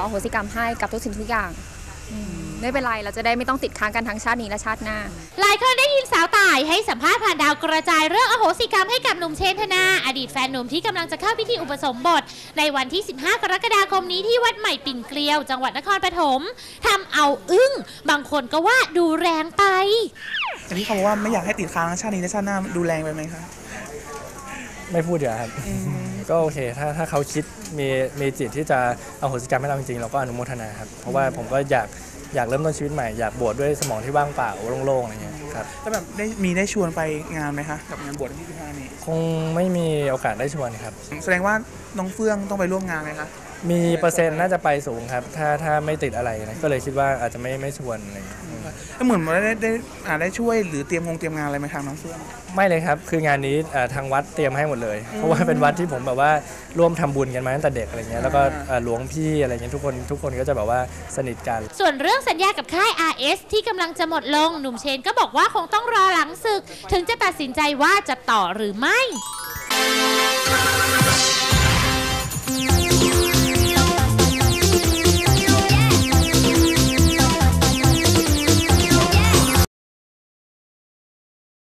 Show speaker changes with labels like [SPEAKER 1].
[SPEAKER 1] อโหสิกรรมให้กับทุกสิ่งทุกอย่างไม่เป็นไรเราจะได้ไม่ต้องติดค้างกันทั้งชาตินี้และชาติหน้า
[SPEAKER 2] หลายคนได้ยินสาวต่ายให้สัมภาษณ์ผ่านดาวกระจายเรื่องอโหสิกรรมให้กับหนุ่มเชนธนาอดีตแฟนหนุ่มที่กำลังจะเข้าพิธีอุปสมบทในวันที่15กรกฎาคมนี้ที่วัดใหม่ปิ่นเกลียวจังหวัดนครปฐมทำเอาอึ้งบางคนก็ว่าดูแรงไป
[SPEAKER 3] แต่ที่เขาบอกว่าไม่อยากให้ติดค้างชาตินี้และชาติหน้าดูแรงไปไหมคะ
[SPEAKER 4] ไม่พูดเดี๋ยวครับก็โอเคถ้าเขาคิดมีจิตที่จะอโหสิกรรมให้เราจริงๆเราก็อนุโมทนาครับเพราะว่าผมก็อยากเริ่มต้นชีวิตใหม่อยากบวชด้วยสมองที่ว่างเปล่าโล่งๆอะไรเงี้ยครับ
[SPEAKER 3] แล้วแบบได้ชวนไปงานไหมคะกับงานบวชที่15นี้
[SPEAKER 4] คงไม่มีโอกาสได้ชวนครับ
[SPEAKER 3] แสดงว่าน้องเฟื่องต้องไปร่วมงานไหมคะ
[SPEAKER 4] มีเปอร์เซ็นต์น่าจะไปสูงครับถ้าไม่ติดอะไรนะก็เลยคิดว่าอาจจะไม่ชวนอะไรอย่างเงี้ย
[SPEAKER 3] เหมือนว่าได้ช่วยหรือเตรียมงานอะไรไหมทางน้องเฟื่อง
[SPEAKER 4] ไม่เลยครับคืองานนี้ทางวัดเตรียมให้หมดเลยเพราะว่าเป็นวัดที่ผมแบบว่าร่วมทำบุญกันมาตั้งแต่เด็กอะไรเงี้ยแล้วก็หลวงพี่อะไรเงี้ยทุกคนก็จะแบบว่าสนิทกัน
[SPEAKER 2] ส่วนเรื่องสัญญากับค่าย RS ที่กำลังจะหมดลงหนุ่มเชนก็บอกว่าคงต้องรอหลังศึกถึงจะตัดสินใจว่าจะต่อหรือไม่